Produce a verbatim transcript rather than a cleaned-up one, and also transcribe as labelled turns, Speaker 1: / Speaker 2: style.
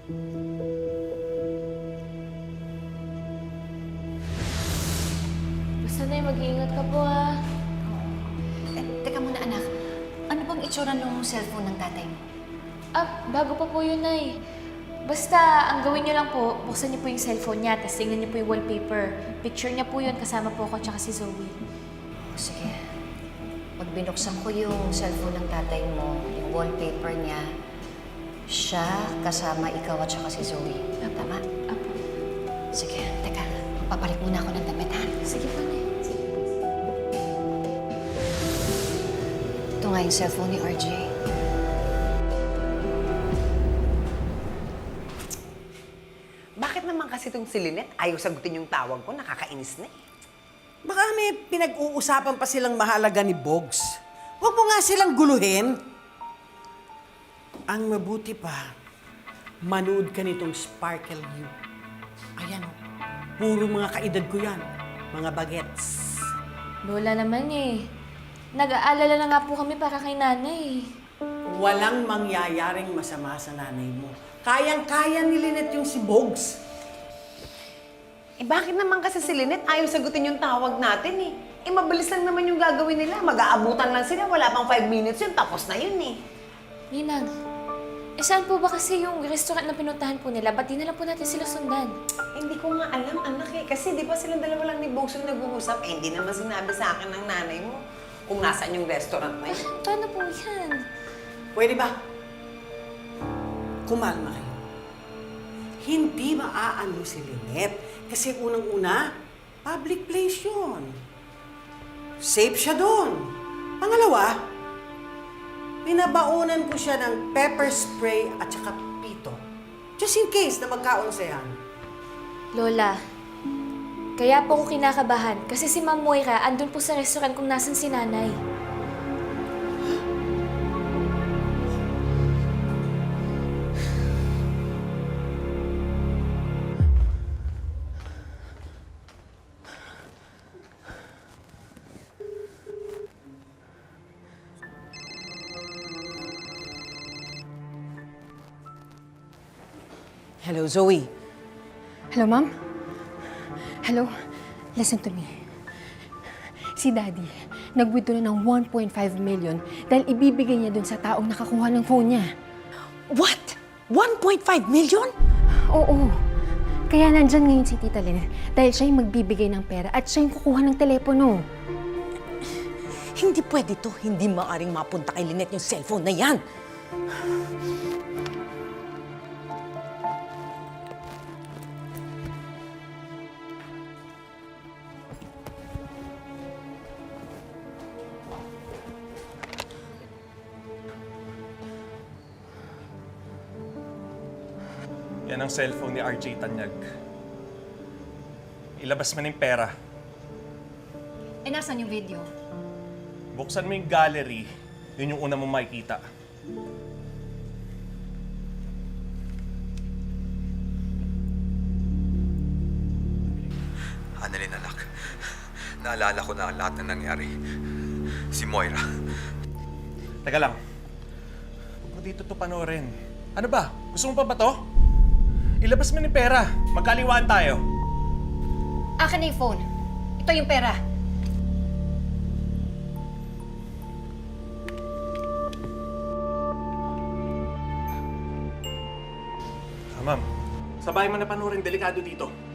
Speaker 1: Basta na mag-iingat ka po, ha?
Speaker 2: Eh, teka muna, anak. Ano bang itsura ng cellphone ng tatay mo?
Speaker 1: Ah, bago pa po yun, Nay. Basta, ang gawin niyo lang po, buksan niyo po yung cellphone niya, tapos tingnan niyo po yung wallpaper. Picture niya po yun, kasama po ako tsaka si Zoe.
Speaker 2: O, sige. Pag binuksan ko yung cellphone ng tatay mo, yung wallpaper niya, siya kasama ikaw at saka si Zoe. Tama?
Speaker 1: Apo.
Speaker 2: Sige, teka. Papalit muna ako ng damit, ha?
Speaker 1: Sige po, Nay. Sige.
Speaker 2: Ito nga yung cellphone ni R J.
Speaker 3: Bakit naman kasi itong si Lynette ayaw sagutin yung tawag ko? Nakakainis na eh.
Speaker 4: Baka may pinag-uusapan pa silang mahalaga ni Bogs. Huwag mo nga silang guluhin. Ang mabuti pa, manood ka nitong Sparkle You. Ayan o, puro mga kaedad ko yan. Mga bagets.
Speaker 1: Lola naman eh. Nag-aalala na nga po kami para kay nanay.
Speaker 4: Walang mangyayaring masama sa nanay mo. Kayang-kaya ni Lynette yung si Bogs.
Speaker 3: Eh bakit naman kasi si Lynette ayaw sagutin yung tawag natin eh? Eh mabilis lang naman yung gagawin nila. Mag-aabutan lang sila. Wala pang five minutes yun. Tapos na yun eh.
Speaker 1: Ninang, eh saan po ba kasi yung restaurant na pinuntahan po nila? Ba't di na lang po natin sila sundan?
Speaker 3: Eh, hindi ko nga alam, anak eh. Kasi di ba silang dalawa lang ni Bogs yung nag-uusap? Eh, hindi naman sinabi sa akin ng nanay mo kung nasaan yung restaurant na yun.
Speaker 1: Paano po yan?
Speaker 4: Pwede ba? Kumalma kayo. Hindi maaano si Lynette. Kasi unang-una, public place yun. Safe siya doon. Pangalawa, pinabaunan ko siya ng pepper spray at saka pito. Just in case na magkaunsayan.
Speaker 1: Lola, kaya po ako kinakabahan kasi si Ma'am Moira andun po sa restaurant kung nasan si nanay.
Speaker 4: Hello, Zoe.
Speaker 5: Hello, Ma'am? Hello? Listen to me. Si Daddy, nag-withdraw na ng one point five million dahil ibibigay niya dun sa taong nakakuha ng phone niya.
Speaker 4: What? one point five million?
Speaker 5: Oo. Kaya nandyan ngayon si Tita Lynette dahil siya yung magbibigay ng pera at siya yung kukuha ng telepono.
Speaker 6: Hindi pwede to. Hindi maaaring mapunta kay Lynette yung cellphone na yan.
Speaker 7: Yan ang cellphone ni R J Tanyag. Ilabas mo na yung pera.
Speaker 2: Eh, nasan yung video?
Speaker 7: Buksan mo yung gallery. Yun yung una mong makikita.
Speaker 8: Annalyn, anak. Naalala ko na lahat na nangyari. Si Moira.
Speaker 7: Teka lang. Huwag mo dito to panoorin. Ano ba? Gusto mo pa ba to? Ilabas mo na yung pera. Magkaliwaan tayo.
Speaker 2: Akin na yung phone. Ito yung pera.
Speaker 7: Ah, ma'am. Sabay mo na panoorin. Delikado dito.